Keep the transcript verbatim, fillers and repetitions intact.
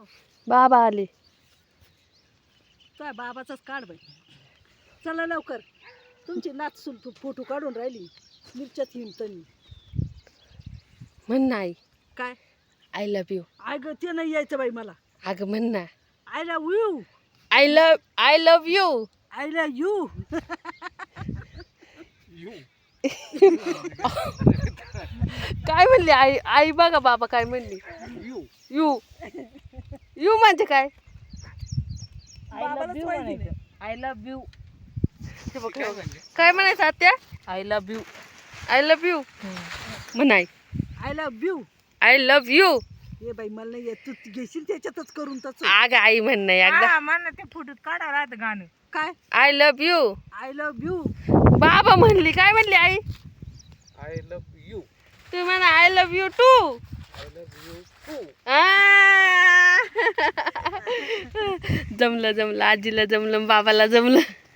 बाबा आले. काय बाबाचाच काढ बाई. चला लवकर, तुमची नाचसून फोटो काढून राहिली मिरच्यात हिंडतनी. म्हण ना आई, काय आय लव्ह यू. अगं ते नाही यायचं बाई मला. अगं म्हण ना, I love you. I love I love you. I love you. काय म्हणली आई? आई बघा बाबा काय म्हणली. यू यू यू म्हणजे काय? बाबालाच माहिती नाही. I love you. काय म्हणायचं आत्या? I love you. I love you म्हणाय. I love you. I love you. ये बाई मला नाही येत. तू घेशील त्याच्यातच करून तसं. अगं आई म्हण नाही एकदा. हा म्हणा ते फोटोत काढावं राहतं गाणं. काय I love you. I love you. बाबा म्हणली. काय म्हणली आई? I love you. तू म्हणा I love you too. I love you too. जमलं जमलं, आजीला जमलं, बाबाला जमलं.